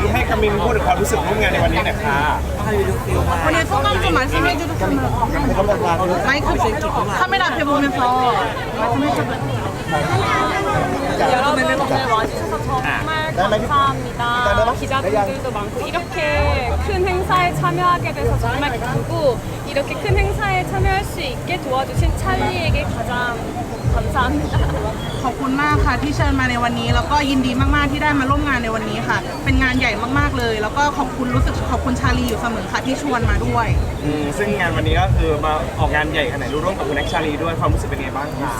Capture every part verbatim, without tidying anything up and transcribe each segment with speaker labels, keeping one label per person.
Speaker 1: ที่ให้กามินพูดถึงความรู้สึกร่วมงานในวันนี้หน่อยค่ะ
Speaker 2: วันนี้소감 좀 말씀해 주셨으면 마이크 카메라 앞에 보면서 말씀해 주세요.
Speaker 3: 여러분 오늘 와주셔서 정말 감사합니다. 기자분들도 많고 이렇게 큰 행사에 참여하게 돼서 정말 기쁘고 이렇게 큰 행사에 참여할 수 있게 도와주신 찰리에게 가장 감사합니다.
Speaker 2: ขอบคุณมากค่ะที่เชิญมาในวันนี้แล้วก็ยินดีมากๆที่ได้มาร่วมงานในวันนี้ค่ะเป็นงานใหญ่มากๆเลยแล้วก็ขอบคุณรู้สึกขอบคุณชาลีอยู่เสมอค่ะที่ชวนมาด้วย
Speaker 1: ซึ่งงานวันนี้ก็คือมาออกงานใหญ่ขนาดนี้ร่วมกับคุณแน็กชาลีด้วยความรู้สึกเป็นไงบ้างคะ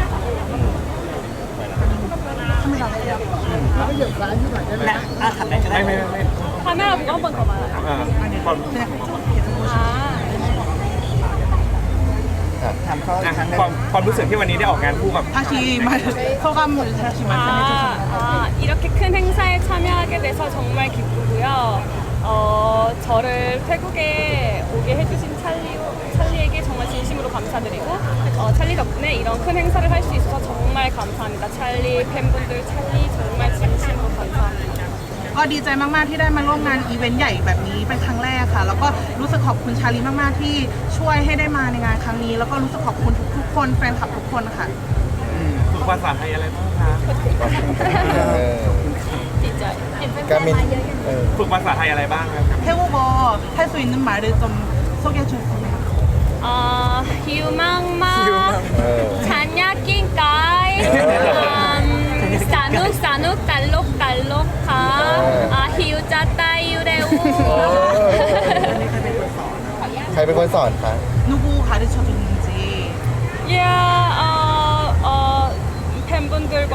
Speaker 1: ไม่ไม่ไม่
Speaker 3: 카메라 보고 한 번 더 말아요.
Speaker 1: ความ
Speaker 3: 아.
Speaker 4: ถามเขาอีกครั้งหนึ่ง
Speaker 1: ความความรู้สึกที่วันนี้ได้ออกงานคู่กับ
Speaker 2: 다시 말 소감을 다시 말씀해
Speaker 3: 아,
Speaker 2: 주세요.
Speaker 3: 아, 이렇게 큰 행사에 참여하게 돼서 정말 기쁘고요. 어, 저를 태국에 오게 해주신 찰리, 찰리에게 정말 진심으로 감사드리고 어, 찰리 덕분에 이런 큰 행사를 할 수 있어서 정말 감사합니다. 찰리 팬분들 찰리 정말 진심으로 감사합니다.
Speaker 2: ก็ดีใจมากๆที่ได้มาร่วมงานอีเวนต์ใหญ่แบบนี้เป็นครั้งแรกค่ะแล้วก็รู้สึกขอบคุณชาลีมากๆที่ช่วยให้ได้มาในงานครั้งนี้แล้วก็รู้สึกขอบคุณทุกๆคนแฟนคลับทุกคนค่ะ
Speaker 1: ฝึกภาษาไทยอะไรบ้างคะ
Speaker 3: 진짜
Speaker 4: กามินเออ
Speaker 1: ฝึกภาษาไทยอะไรบ้างครับ
Speaker 2: 태국어 할 수 있는 말을 좀 소개해 주세요.
Speaker 3: 어, 휴망망
Speaker 4: เออ
Speaker 3: 잔야낀까이 사눅 사눅 달록 달록하 아 히우자 따유레우
Speaker 4: ใครเป็นคนสอนคะ
Speaker 2: 누구 가르쳐 줬는지
Speaker 3: 야, 어, 어, 팬분들과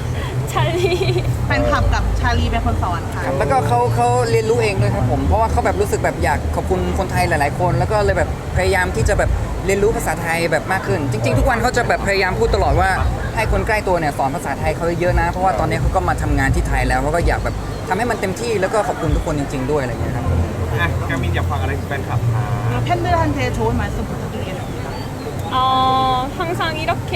Speaker 3: 찰리
Speaker 2: แฟนคลับกับชาลีเป็นคนสอนค่ะ
Speaker 5: แล้วก็เขาเขาเรียนรู้เองด้วยครับผมเพราะว่าเขาแบบรู้สึกแบบอยากขอบคุณคนไทยหลาย ๆ คน แล้วก็เลยแบบพยายามที่จะแบบเรียนรู้ภาษาไทยแบบมากขึ้น จริง ๆ ทุกวันเขาจะแบบพยายามพูดตลอดว่าให้คนใกล้ตัวเนี่ยสอนภาษาไทยเขาเยอะนะเพราะว่าตอนนี้เขาก็มาทำงานที่ไทยแล้วเขาก็อยากแบบทำให้มันเต็มที่แล้วก็ขอบคุณทุกคนจริง ๆ ด้วยอะไรอย่างเงี้ยครับ
Speaker 1: อ่ะกามินอยากฟังอะไรจากแฟนคลับคะ
Speaker 2: 팬들한테 좋은 말씀 부탁드리겠습니다.
Speaker 3: 어, 항상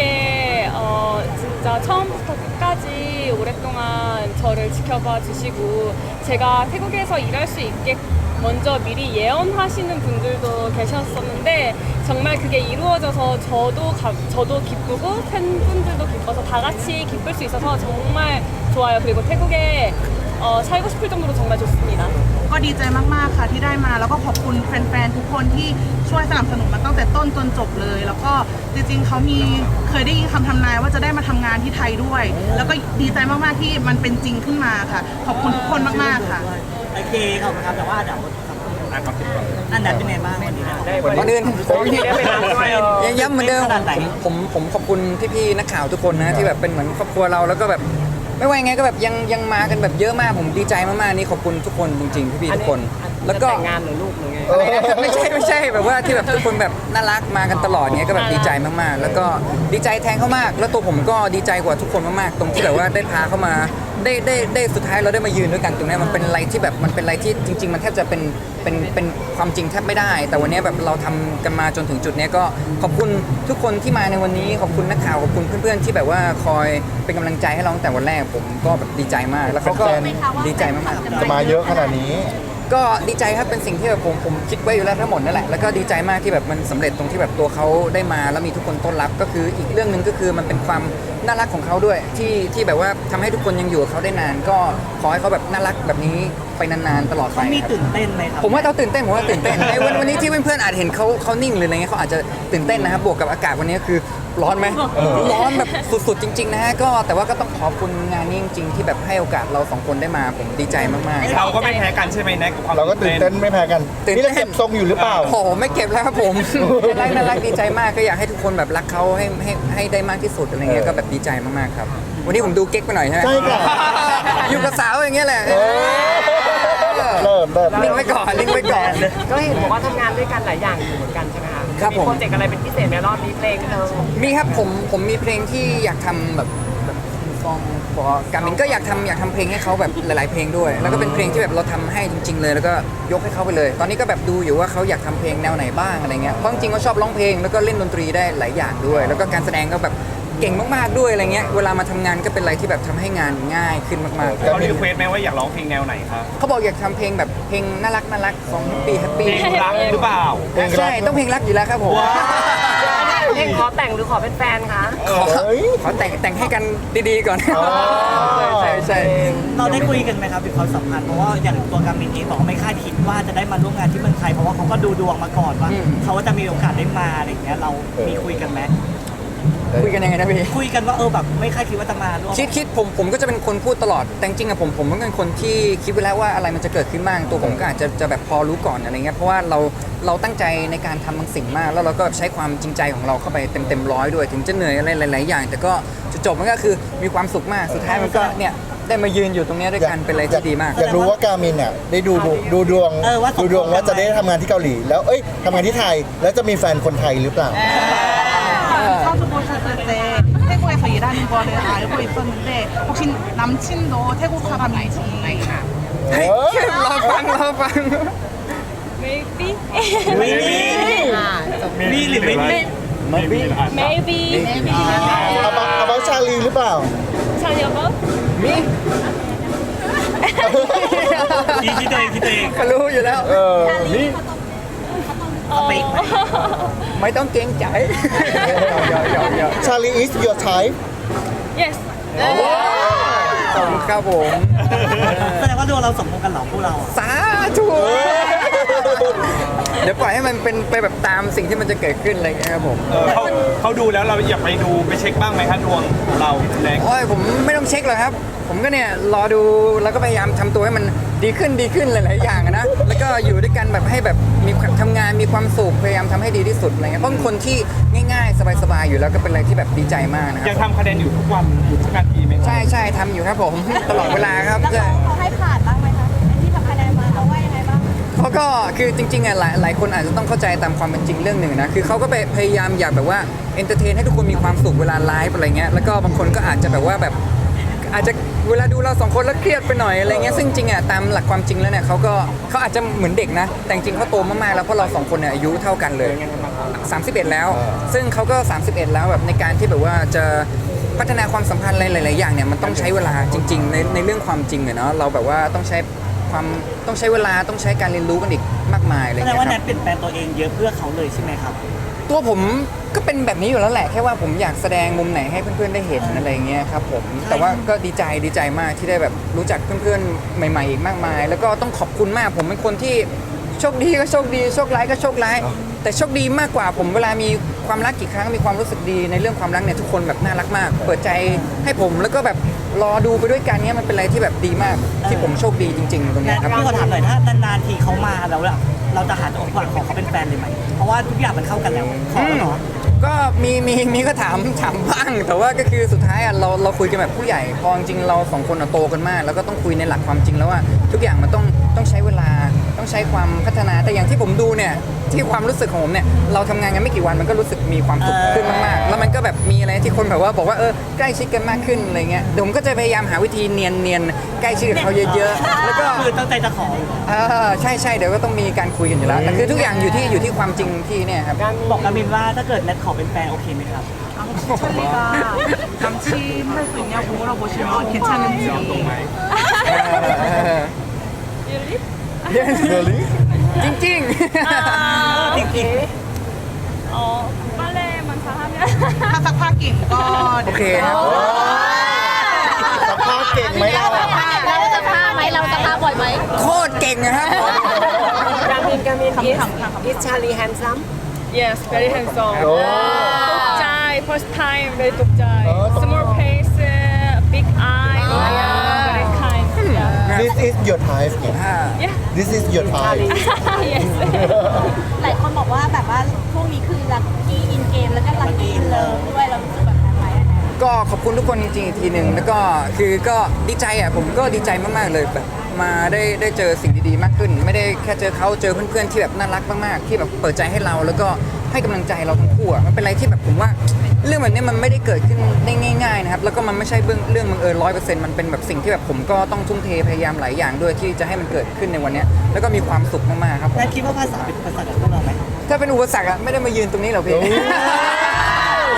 Speaker 3: 이렇게 어, 진짜 처음부터 끝까지 오랫동안 저를 지켜봐 주시고 제가 태국에서 일할 수 있게 먼저 미리 예언하시는 분들도 계셨었는데 정말 그게 이루어져서 저도 가, 저도 기쁘고 팬분들도 기뻐서 다 같이 기쁠 수 있어서 정말 좋아요. 그리고 태국에 어, 살고 싶을 정도로 정말 좋습니다.
Speaker 2: ก็ดีใจมากๆค่ะที่ได้มาแล้วก็ขอบคุณแฟนๆทุกคนที่ช่วยสนับสนุนมาตั้งแต่ต้นจนจบเลยแล้วก็จริงๆเขามีเคยได้ยินคำทำนายว่าจะได้มาทำงานที่ไทยด้วยแล้วก็ดีใจมากๆที่มันเป็นจริงขึ้นมาค่ะขอบคุณทุกคนมากๆค่ะ
Speaker 6: โอเคขอบคุณครับแต่ว่าเดี๋ยวอันนั้นเป็นไงบ้างวันนี้นะ
Speaker 5: ก่อนอื่นผม
Speaker 1: ได้ไปรับด้วย
Speaker 5: ยังย้ำเหมือนเดิม
Speaker 6: ขนาดไหน
Speaker 5: ผมผมขอบคุณพี่ๆนักข่าวทุกคนนะที่แบบเป็นเหมือนครอบครัวเราแล้วก็แบบไม่ว่ายังไงก็แบบยังยังมากันแบบเยอะมากผมดีใจมากๆนี่ขอบคุณทุกคนจริงๆพี่ๆทุกคน แล้วก็
Speaker 6: แต่งงานหรือลูกหรือไง
Speaker 5: อะไรนะไม่ใช่ไม่ใช่แบบว่าที่แบบทุกคนแบบน่ารักมากันตลอดเนี้ยก็แบบดีใจมากๆ แล้วก็ดีใจแทนเขามาก แล้วตัวผมก็ดีใจกว่าทุกคนมากๆตรงที่แบบว่าได้พาเขามาได้ได้ได้สุดท้ายเราได้มายืนด้วยกันตรงนี้มันเป็นอะไรที่แบบมันเป็นอะไรที่จริง ๆ มันแทบจะเป็นเป็นเป็นความจริงแทบไม่ได้ แต่วันนี้แบบเราทำกันมาจนถึงจุดนี้ก็ขอบคุณทุกคนที่มาในวันนี้ขอบคุณนักข่าวขอบคุณเพื่อนๆที่แบบว่าคอยเป็นกำลังใจให้เราตั้งแต่วันแรกผมก็แบบดีใจมากแล้วเขาก็ดีใจมากๆ
Speaker 4: จะมาเยอะขนาดนี้
Speaker 5: ก็ดีใจครับเป็นสิ่งที่แบบผมผมคิดไว้อยู่แล้วทั้งหมดนั่นแหละแล้วก็ดีใจมากที่แบบมันสำเร็จตรงที่แบบตัวเขาได้มาแล้วมีทุกคนต้อนรับก็คืออีกเรื่องหนึ่งก็คือมันเป็นความน่ารักของเขาด้วยที่ที่แบบว่าทำให้ทุกคนยังอยู่กับเขาได้นาน ก็ขอให้เขาแบบน่ารักแบบนี้ไปนานๆตลอดไป
Speaker 6: เขามี
Speaker 5: ครับ
Speaker 6: ตื่นเต้นไหมครับ
Speaker 5: ผมว่าเขาตื่นเต้นผมว่าตื่นเต้น ในวันวันนี้ที่เพื่อนๆอาจเห็นเขาเขานิ่งหรืออะไรเงี้ยเขาอาจจะตื่นเต้นนะครับบวกกับอากาศวันนี้คือร้อนไหมร้อนแบบสุดๆจริงๆนะฮะก็แต่ว่าก็ต้องขอบคุณงานนี้จริงๆที่แบบให้โอกาสเราสองคนได้มาผมดีใจมากๆ
Speaker 1: เราก็ไม่แพ้กันใช่ไหมแน็กกับความ
Speaker 4: เราก็ตื่นเต้นไม่แพ้กัน
Speaker 5: ตื่นเต้น
Speaker 4: นี่เราเก็บทรงอยู่หรือเปล่า
Speaker 5: โอ้โหไม่เก็บแล้วครับผม น่ารักน่ารักดีใจมากก็อยากให้ทุกคนแบบรักเขาให้ให้ให้ได้มากที่สุดอะไรเงี้ยก็แบบดีใจมากๆครับวันนี้ผมดูเก๊กไปหน่อยใช่ไหม
Speaker 4: ใช่ค่ะ
Speaker 5: อยู่กับสาวอย่างเงี้ยแหละ
Speaker 4: เออเริ่มเริ่ม
Speaker 5: ลิงก์ไว้ก่อนลิงก์ไว้ก่อน
Speaker 6: ก็เห็นบอกว่าทำงานด้วยกันหลายอย่างอยู่เหมือนกันใช่ไหมคะ
Speaker 5: ครับผม
Speaker 6: โปรเจกต์อะไรเป็นพิเศษในรอบนี้เพลงเธอ
Speaker 5: มีครับผมผมมีเพลงที่อยากทำแบบแบบซองพอการมินก็อยากทำอยากทำเพลงให้เขาแบบหลาย ๆ เพลงด้วย แล้วก็เป็นเพลงที่แบบเราทำให้จริง ๆ เลย แล้วก็ยกให้เขาไปเลย ตอนนี้ก็แบบดูอยู่ว่าเขาอยากทำเพลงแนวไหนบ้างอะไรเงี้ยเพราะจริงๆเขาชอบร้องเพลงแล้วก็เล่นดนตรีได้หลายอย่างด้วย แล้วก็การแสดงก็แบบเก่งมากๆด้วยอะไรเงี้ยเวลามาทำงานก็เป็นอะไรที่แบบทำให้งานง่ายขึ้นมากๆ
Speaker 1: เขารีเควสไหมว่าอยากร้องเพลงแนวไหนครับ
Speaker 5: เขาบอกอยากทำเพลงแบบเพลงน่ารักน่ารักสองปีแฮป
Speaker 1: เพ
Speaker 5: ปี้
Speaker 1: ลงรักหรือเปล่า
Speaker 4: เพลงรัก
Speaker 5: ใช่ต้องเพลงรักอยู่แล้วครับผม
Speaker 7: เพลงขอแต่งหรือขอเป็นแฟนคะ
Speaker 5: ขอ
Speaker 4: เฮ้ย
Speaker 5: ขอแต่งแต่งให้กันดีๆก่อน
Speaker 4: อ๋อ
Speaker 5: ใช่ใช่ใช่
Speaker 6: เราได้คุยกันไหมครับถึงความสัมพันธ์เพราะว่าอย่างตัวกามินเองบอกว่าไม่คาดคิดว่าจะได้มาร่วมงานที่เมืองไทยเพราะว่าเขาก็ดูดวงมาก่อนว่าเขาว่าจะมีโอกาสได้มาอะไรอย่างเงี้ยเรามีคุยกันไหม
Speaker 5: คุยกันยังไงนะพี่
Speaker 6: คุยกันว่าเออแบบไม่คาดคิดว่าจะมาร่วม
Speaker 5: คิดคิดผมผมก็จะเป็นคนพูดตลอดแต่จริงๆอะผมผมก็เป็นคนที่คิดไว้แล้วว่าอะไรมันจะเกิดขึ้นบ้างตัวผมก็อาจจะจะแบบพอรู้ก่อนอะไรเงี้ยเพราะว่าเราเราตั้งใจในการทำบางสิ่งมาก แล้วเราก็ใช้ความจริงใจของเราเข้าไปเต็มเต็มร้อยด้วยถึงจะเหนื่อยอะไรหลายๆอย่าง แต่ก็จุดจบมันก็คือมีความสุขมากสุดท้ายมันก็เนี่ยได้มายืนอยู่ตรงเนี้ยด้วยกันเป็นอะไรที่ดีมาก
Speaker 4: อยากรู้ว่ากามินเนี่ยได้ดูดูดูดวง
Speaker 6: เออว่า
Speaker 4: ดูดวงว่าจะได้ทำงานที่เกาหลี แล้วเอ้ยทำงานที่ไทยแล้วจะมีแฟนคนไทยหรือเปล่า
Speaker 2: 처음 보셨을 때 태국에서 일하는 거를 알고 있었는데 혹시 남친도 태국 사람인지
Speaker 5: เฮ้ยรอฟังรอฟัง
Speaker 3: maybe
Speaker 6: ไม่มีมีหรือไม่มี
Speaker 3: maybe
Speaker 4: เอาบัเอาบัชาลีหรือเปล่า
Speaker 3: 자녀가
Speaker 5: มี
Speaker 6: คิดคิดตัวเองคิดตัวเอง
Speaker 5: ก็รู้อยู่แล้ว
Speaker 4: เออนี่
Speaker 3: 어,
Speaker 5: ไม่ต้องเกรงใจหยอกหยอกหยอก
Speaker 4: ชาลี is your type
Speaker 3: yes
Speaker 5: ขอบคุณครับผม
Speaker 6: แสดงว่าดวงเราสมพงษ์กันเหรอพวกเราอะ
Speaker 5: สาธุเดี๋ยวปล่อยให้มันเป็นไปแบบตามสิ่งที่มันจะเกิดขึ้นอะไรอย่างเงี้ยครับผม
Speaker 1: เออเขาเขาดูแล้วเราอยากไปดูไปเช็คบ้างไหมครับดวงของเราแรง
Speaker 5: โอ้ยผมไม่ต้องเช็คหรอกครับ ผมก็เนี่ยรอดูแล้วก็พยายามทำตัวให้มันดีขึ้นดีขึ้นหลายๆอย่างอะนะแล้วก็อยู่ด้วยกันแบบให้แบบมีความทำงานมีความสุขพยายามทำให้ดีที่สุดอะไรเงี้ยเพราะเป็นคนที่ง่ายๆ สบายๆอยู่แล้วก็เป็นอะไรที่แบบดีใจมากนะค
Speaker 1: ยั
Speaker 5: รั
Speaker 1: ง
Speaker 5: บ
Speaker 1: ทำคะแนนอยู่ทุกวันอยู่ทุกนาทีไหมครับ
Speaker 5: ใช่ใช่ทำอยู่ครับผม ตลอดเวลาครับ
Speaker 8: แล้ว
Speaker 5: ใช่
Speaker 8: เขาเขาให้ผ่านบ้างไหมคะที่ทำคะแนนมาเขาว่ายังไงบ้าง
Speaker 5: เขาก็คือจริงๆอ่ะหลายหลายคนอาจจะต้องเข้าใจตามความเป็นจริงเรื่องหนึ่งนะคือเขาก็ไปพยายามอยากแบบว่าเอนเตอร์เทนให้ทุกคนมีความสุขเวลาไลฟ์อะไรเงี้ยแล้วก็บางคนก็อาจจะแบบว่าแบบอาจจะเวลาดูเราสองคนแล้วเครียดไปหน่อยอะไรเงี้ยซึ่งจริงอ่ะตามหลักความจริงแล้วเนี่ยเขาก็เขาอาจจะเหมือนเด็กนะแต่จริงๆเขาโตมากๆแล้วเพราะเราสองคนเนี่ยอายุเท่ากันเลยสามสิบเอ็ดแล้ว ซึ่งเขาก็สามสิบเอ็ดแล้วแบบในการที่แบบว่าจะพัฒนาความสัมพันธ์อะไรหลายๆอย่างเนี่ยมันต้องใช้เวลาจริงๆในในเรื่องความจริงอะเนาะเราแบบว่าต้องใช้ความต้องใช้เวลาต้องใช้การเรียนรู้กันอีกมากมายอะไร
Speaker 6: แส
Speaker 5: เงี้
Speaker 6: ด
Speaker 5: ย
Speaker 6: งว่า
Speaker 5: ค
Speaker 6: แน
Speaker 5: รับ
Speaker 6: ทเปลี่ยนแปลงตัวเองเยอะเพื่อเขาเลยใช่ไหมครับ
Speaker 5: ตัวผมก็เป็นแบบนี้อยู่แล้วแหละแค่ว่าผมอยากแสดงมุมไหนให้เพื่อนๆได้เห็นอะไรเงี้ยครับผมแต่ว่าก็ดีใจดีใจมากที่ได้แบบรู้จักเพื่อนๆใหม่ๆอีกมากมาย แล้วก็ต้องขอบคุณมากผมเป็นคนที่โชคดีก็โชคดีโชคร้ายก็โชคร้ายแต่โชคดีมากกว่าผมเวลามีความรักกี่ครั้งมีความรู้สึกดีในเรื่องความรักเนี่ยทุกคนแบบน่ารักมาก เปิดใจให้ผมแล้วก็แบบรอดูไปด้วยกันเนี่ยมันเป็นอะไรที่แบบดีมากที่ผมโชคดีจริงๆตรง
Speaker 6: แน
Speaker 5: เนี้ย
Speaker 6: ท
Speaker 5: ครับ
Speaker 6: พี่ขอถามหน่อยถ้านานๆทีเขามาแล้วอะเราจะหาจังหวะของเขาเป็นแฟนเลยไหมเพราะว่าทุกอย่างมันเข้ากันแล้วขอแล้วเหรอ
Speaker 5: ก็มีมีมีก็ถามถามบ้างแต่ว่าก็คือสุดท้ายอ่ะเราเราคุยกันแบบผู้ใหญ่พอจริงๆเราสองคนอ่ะโตกันมาก แล้วก็ต้องคุยในหลักความจริงแล้วว่าทุกอย่างมันต้องต้องใช้เวลาต้องใช้ความพัฒนาแต่อย่างที่ผมดูเนี่ยที่ความรู้สึกของผมเนี่ยเราทำงานกันไม่กี่วันมันก็รู้สึกมีความสุขขึ้นมากๆแล้วมันก็แบบมีอะไรที่คนแบบว่าบอกว่าเออใกล้ชิดกันมากขึ้นอะไรเงี้ยเดี๋ยวผมก็จะพยายามหาวิธีเนียนเนียนๆใกล้ชิดกับเขาเยอะๆแล้วก็
Speaker 6: คือตั้งใจจะขอ
Speaker 5: เออใช่ใช่เดี๋ยวก็ต้องมีการคุยกันอยู่แล้วแต่คือทุกอย่างอยู่ที่อยู่ที่ความจริงที่เนี่ยครับ
Speaker 6: บอกกามินว่าถ้าเกิดแนทขอเป็นแฟนโอเคไหมครับ
Speaker 2: 아, 혹시 찰리가 남친 할 수 있냐고 물어보시면 괜찮은지
Speaker 5: จริงจริง
Speaker 6: จริง
Speaker 3: 어, 빨래만 잘하면
Speaker 2: ถ้าซักผ้าเก่งก็
Speaker 5: โอเคครับ
Speaker 4: สัมภาษณ์เก่งไหมเราอะ
Speaker 8: เราจะพาไหมเราจะพาบ่อยไหม
Speaker 5: โคตรเก่งนะครับ
Speaker 7: กามินกามิน is is Charlie handsome
Speaker 3: yes very handsome
Speaker 4: โอ้
Speaker 3: 독자이 first time very 독자이
Speaker 4: 어,
Speaker 3: small face big eye yeah, very kind yeah.
Speaker 4: this is your type เนี่ย
Speaker 3: yeah
Speaker 4: this is your type
Speaker 3: yes
Speaker 8: หลายคนบอกว่าแบบว่าช่วงนี้คือลัคกี้อินเกมแล้วก็ลัคกี้อินเลิฟด้วยเรารู้สึกแบบนั้นไหมอะนะ
Speaker 5: ก็ขอบคุณทุกคนจริงๆอีกทีหนึ่งแล้วก็คือก็ดีใจอ่ะผมก็ดีใจมากๆเลยแบบมาได้ได้เจอสิ่งดีๆมากขึ้น ไม่ได้แค่เจอเขาเจอเพื่อนๆที่แบบน่ารักมากๆที่แบบเปิดใจให้เราแล้วก็ให้กำลังใจเราทั้งคู่อ่ะมันเป็นอะไรที่แบบผมว่า เรื่องแบบนี้มันไม่ได้เกิดขึ้นได้ง่ายๆนะครับแล้วก็มันไม่ใช่เรื่องเรื่องบังเอิญร้อยเปอร์เซ็นต์มันเป็นแบบสิ่งที่แบบผมก็ต้องทุ่มเทพยายามหลายอย่างด้วยที่จะให้มันเกิดขึ้นในวันเนี้ยแล้วก็มีความสุขมากๆครับผม
Speaker 6: แนทคิดว่าภาษาเป็นภาษากับพวกเราไหม
Speaker 5: ถ้าเป็นอุปสรรคอะไม่ได้มายืนตรงนี้หรอกพี่
Speaker 6: แ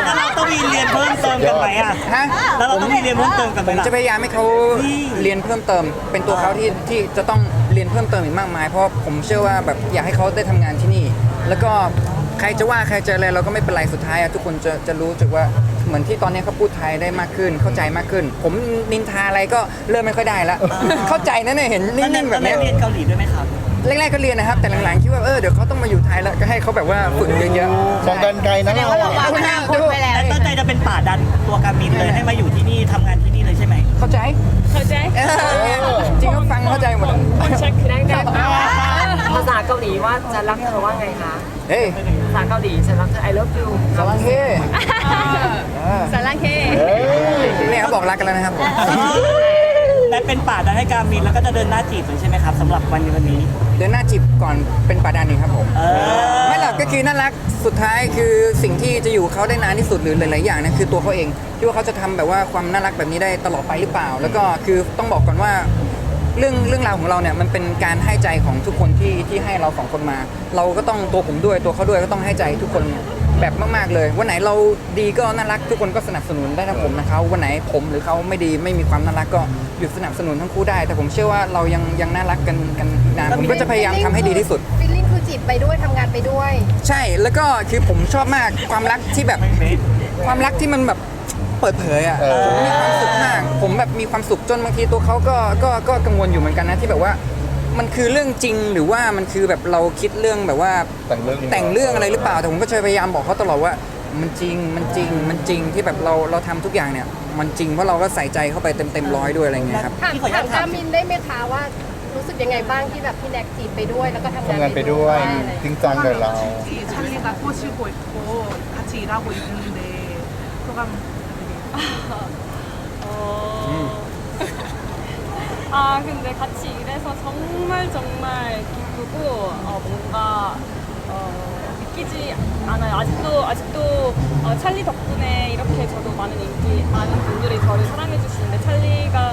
Speaker 6: แล้วเราต้องมีเรียนเพิ่มเติมกันไหมอ่ะ
Speaker 5: ฮะ
Speaker 6: แล้วเราต้องมีเรียนเพิ่มเติมกันไห
Speaker 5: ผม ม
Speaker 6: ล่ะ
Speaker 5: จะพยายามให้เขาเรียนเพิ่มเติม เป็นตัวเขาที่ที่จะต้องเรียนเพิ่มเติมอีกมากมาย เพราะผมเชื่อว่าแบบอยากให้เขาได้ทำงานที่นี่ แล้วก็ใครจะว่าใครจะอะไรเราก็ไม่เป็นไรสุดท้ายอะทุกคนจะจะรู้สึกว่าเหมือนที่ตอนนี้เขาพูดไทยได้มากขึ้น เข้าใจมากขึ้น ผมนินทาอะไรก็เริ่มไม่ค่อยได้แล้วเข้าใจนะเนี่ยเห็นนิ่งๆแบบ
Speaker 6: แล้ว
Speaker 5: เนี้ย
Speaker 6: เรียนเกาหลีด้วยไหมครับ
Speaker 5: แรกๆก็เรียนนะครับ แต่หลังๆคิดว่าเออเดี๋ยวเขาต้องมาอยู่ไทยแล้วก็ให้เขาแบบว่าฝึกเยอะๆ
Speaker 4: มองกันไกลนะเรา
Speaker 8: ว่าเราวางอนาคตไว้แล้ว
Speaker 6: แล้วตั้งใจจะเป็นป่าดันตัวการมินเลยให้มาอยู่ที่นี่ทำงานที่นี่เลยใช่ไหม
Speaker 5: เข้าใจ
Speaker 3: เข้าใจ
Speaker 5: เออจริงก็ฟังเข้าใจหมด
Speaker 3: เช็ค
Speaker 7: นั่งกันภาษาเกาหลีว่าจะรักเธอว่าไงคะ
Speaker 5: เฮ้ย
Speaker 7: ภาษาเกาหลีฉันรักเธอ I love you
Speaker 5: สวัสดี
Speaker 3: สารังเค
Speaker 5: เนี่ยเขาบอกรักกันแล้วนะครับ
Speaker 6: และเป็นป่าดันให้การมินแล้วก็จะเดินหน้าจีบเลยใช่ไหมครับสำหรับวันนี้วันนี้
Speaker 5: เดินหน้าจีบก่อนเป็นป่าดันนี่ครับผม
Speaker 6: เออ
Speaker 5: ไม่หรอกก็คือน่ารักสุดท้ายคือสิ่งที่จะอยู่กับเขาได้นานที่สุดหรือหลายๆอย่างเนี่ยคือตัวเขาเองที่ว่าเขาจะทำแบบว่าความน่ารักแบบนี้ได้ตลอดไปหรือเปล่า แล้วก็คือต้องบอกก่อนว่าเรื่องเรื่องราวของเราเนี่ยมันเป็นการให้ใจของทุกคนที่ที่ให้เราสองคนมา เราก็ต้องตัวผมด้วยตัวเขาด้วยก็ต้องให้ใจทุกคนแบบมากๆเลยวันไหนเราดีก็น่ารักทุกคนก็สนับสนุนได้ทั้งผมนะเขาวันไหนผมหรือเขาไม่ดีไม่มีความน่ารักก็หยุดสนับสนุนทั้งคู่ได้ แต่ผมเชื่อว่าเรายังยังน่ารักกันกันอีกนานผมก็จะพยายามทำให้ดีที่สุด
Speaker 9: ฟิลลิ่งคือจีบไปด้วยทำงานไปด้วย
Speaker 5: ใช่แล้วก็คือผมชอบมากความรักที่แบบความรักที่มันแบบเปิดเผยอ่ะ
Speaker 4: เออ
Speaker 5: ผมมีความสุขมากผมแบบมีความสุขจนบางทีตัวเขาก็ก็ก็กังวลอยู่เหมือนกันนะที่แบบว่ามันคือเรื่องจริงหรือว่ามันคือแบบเราคิดเรื่องแบบว่า
Speaker 4: แต่งเรื่อง
Speaker 5: แต่งเรื่องอะไรหรือเปล่าแต่ผมก็จะพยายามบอกเขาตลอดว่ามันจริงมันจริงมันจริงที่แบบเราเราทำทุกอย่างเนี่ยมันจริงเพราะเราก็ใส่ใจเข้าไปเต็มเต็มร้อยด้วยอะไรเงี้ยครับ
Speaker 9: ถาม
Speaker 6: พี่ขออนุญา
Speaker 9: ถา
Speaker 6: ต
Speaker 9: ม
Speaker 6: ถาม
Speaker 9: กามินได้ไหมคะว่ารู้สึกยังไงบ้างที่แบบพี่แน็กจีบไปด้วยแล้วก็ทำงาน
Speaker 4: ทำงานไปด้วย
Speaker 9: อะไรอย่างเงี้ย
Speaker 4: จริงจังกับเรา
Speaker 2: 찰리가 꼬시고 있고 같이 일하고 있는데 소감
Speaker 3: 어... 아 근데 같이 일해서 정말 정말 기쁘고 어, 뭔가 어, 믿기지 않아요. 아직도 아직도 어, 찰리 덕분에 이렇게 저도 많은 인기 많은 분들이 저를 사랑해 주시는데 찰리가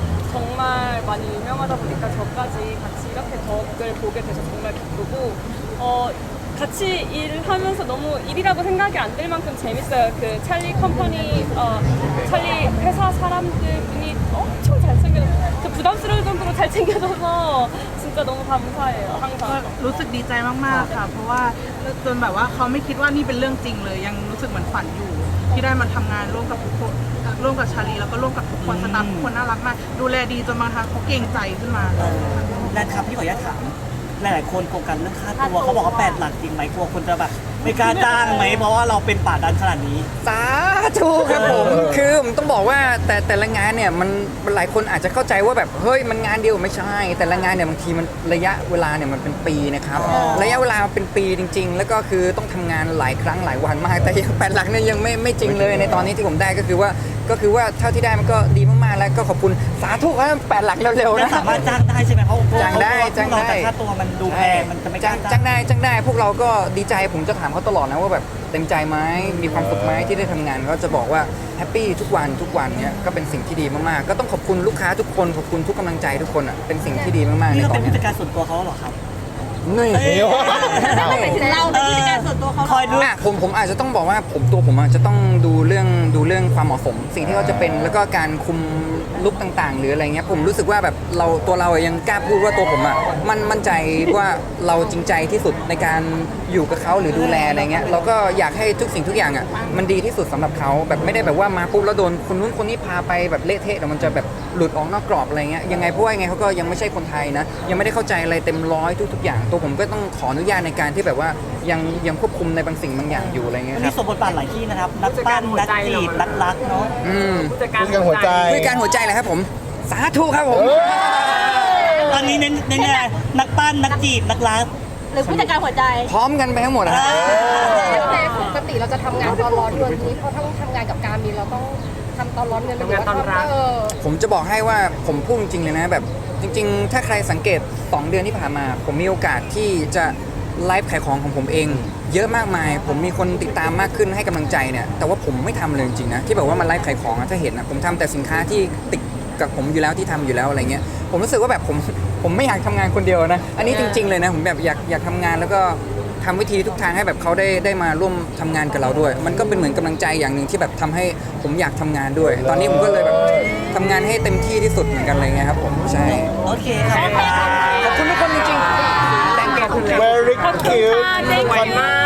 Speaker 3: 정말 많이 유명하다 보니까 저까지 같이 이렇게 덕을 보게 돼서 정말 기쁘고 어, 같이 일하면서 너무 일이라고 생각이 안 들 만큼 재밌어요. 그 찰리 컴퍼니, 어, 찰리 회사 사람들 분이 엄청 잘생겨서 저 부담스러울 정도로 잘생겨져서 진짜 너무 감사해요.
Speaker 2: ก็
Speaker 3: 항상.
Speaker 2: รู้สึกดีใจมากๆค่ะ เพราะว่าจนแบบว่าเขาไม่คิดว่านี่เป็นเรื่องจริงเลย ยังรู้สึกเหมือนฝันอยู่ ที่ได้มาทำงานร่วมกับทุกคนร่วมกับชาลีแล้วก็ร่วมกับทุกคนสตาฟทุกคนน่ารักมาก ดูแลดีจนบางครั้งเขาเกรงใจขึ้นมา
Speaker 6: แนนครับพี่ขออนุญาตถามหลายๆคนโกงกันเรื่องค่าตัวเขาบอกว่าแปดหลักจริงไหมกลัวคนจะแบบไม่กล้าจ้างไหมเพราะว่าเราเป็นป่าดันขนาดนี้
Speaker 5: สาธุครับผมคือผมต้องบอกว่าแต่แต่ละงานเนี่ยมันหลายคนอาจจะเข้าใจว่าแบบเฮ้ยมันงานเดียวไม่ใช่ แต่ละงานเนี่ยบางทีมันระยะเวลาเนี่ยมันเป็นปีนะครับ
Speaker 6: อ๋อ
Speaker 5: ระยะเวลาเป็นปีจริง ๆ แล้วก็คือต้องทำงานหลายครั้งหลายวันมากแต่ยังแปดหลักเนี่ยยังไม่ไม่จริงเลยในตอนนี้ที่ผมได้ก็คือว่าก็คือว่าเท่าที่ได้มันก็ดีมากๆแล้วก็ขอบคุณสาธุครับแปดหลักเร็วๆ
Speaker 6: แล้ว
Speaker 5: นะ
Speaker 6: สามารถจ้างได้ใช่ไหมเพราะ
Speaker 5: จ้างได้จ้างได้
Speaker 6: แต่ค่าตัวมันดูแพงมันจะไม่ก
Speaker 5: จ้า
Speaker 6: ล้าง
Speaker 5: จ้างได้จ้างได้พวกเราก็ดีใจผมจะถามเขาตลอดนะว่าแบบเต็มใจไหมมีความสุขไหมที่ได้ทำงานก็จะบอกว่าแฮปปี้ทุกวันทุกวันเนี่ยก็เป็นสิ่งที่ดีมากๆก็ต้องขอบคุณลูกค้าทุกคนขอบคุณทุกกำลังใจทุกคนอ่ะเป็นสิ่งที่ดีมากๆใน
Speaker 6: นี่ก็
Speaker 5: ตอ
Speaker 6: เป็น น
Speaker 5: เนี้
Speaker 6: ผู้
Speaker 5: ย
Speaker 6: จัดการส่วนตัวเขาเหรอครับ
Speaker 5: นี่
Speaker 6: เอ้ย
Speaker 8: ไปถึงเราเป็นผู้จัดการส่วนตัวเขา
Speaker 6: คอยดู
Speaker 5: อ่ะผมผมอาจจะต้องบอกว่าผมตัวผมอาจจะต้องดูเรื่องดูเรื่องความเหมาะสม สิ่งที่เขาจะเป็นแล้วก็การคุมลุกต่างๆ หรืออะไรเงี้ยผมรู้สึกว่าแบบเราตัวเราอะยังกล้าพูดว่าตัวผมอ่ะมันมั่นใจว่าเราจริงใจที่สุดในการอยู่กับเขาหรือดูแลอะไรเงี้ยเราก็อยากให้ทุกสิ่งทุกอย่างอ่ะมันดีที่สุดสำหรับเขาแบบไม่ได้แบบว่ามาปุ๊บแล้วโดนคนนู้นคนนี้พาไปแบบเละเทะเดี๋ยวมันจะแบบหลุดออกนอกกรอบอะไรเงี้ยยังไงเพราะว่ายังไงเขาก็ยังไม่ใช่คนไทยนะยังไม่ได้เข้าใจอะไรเต็มร้อยทุกๆอย่างตัวผมก็ต้องขออนุญาตในการที่แบบว่ายังยังควบคุมในบางสิ่งบางอย่างอยู่อะไรเงี้ย
Speaker 6: วัน
Speaker 5: ครั
Speaker 6: นี้
Speaker 5: บ
Speaker 6: สมบทบาทหลายที่นะครับ นักปั้นนักจีบนักรักเนาะ
Speaker 5: อืม
Speaker 7: ผู้จัดการ
Speaker 4: ผู้จัดการหัวใจ
Speaker 5: ด้วยการหัวใจเลยครับผมสาธุครับผม
Speaker 6: ตอนนี้เน้นเน้นอะไรนักปั้นนักจีบนักรัก
Speaker 8: หรือผู้จัดการหัวใจ
Speaker 5: พร้อมกันไปทั้งหมดนะ
Speaker 9: แต่ปกติเราจะทำงานตอนร้อนเงินนี้เพราะถ้าทำงานกับการมินเราต้องทำตอนร้อนเงินหรือว่าทำเออ
Speaker 5: ผมจะบอกให้ว่าผมพูดจริงๆเลยนะแบบจริงๆ ถ้าใครสังเกตสองเดือนที่ผ่านมา ผมมีโอกาสที่จะไลฟ์ขายของของผมเอง เยอะมากมาย ผมมีคนติดตามมากขึ้นให้กำลังใจเนี่ยแต่ว่าผมไม่ทำเลยจริงๆนะที่แบบว่ามันไลฟ์ขายของอะถ้าเห็นนะผมทำแต่สินค้าที่ติดกับผมอยู่แล้วที่ทำอยู่แล้วอะไรเงี้ยผมรู้สึกว่าแบบผมผมไม่อยากทำงานคนเดียวนะอันนี้จริง ๆเลยนะผมแบบอยากอยากทำงานแล้วก็ทำวิธีทุกทางให้แบบเขาได้ได้มาร่วมทำงานกับเราด้วย มันก็เป็นเหมือนกำลังใจอย่างหนึ่งที่แบบทำให้ผมอยากทำงานด้วย ตอนนี้ผมก็เลยแบบทำงานให้เต็มที่ที่สุดเหมือนกันเลยไงครับผมใช่
Speaker 6: โอเคครับ
Speaker 5: ขอบคุณทุกคนจริงๆ
Speaker 4: very cute
Speaker 3: Thank you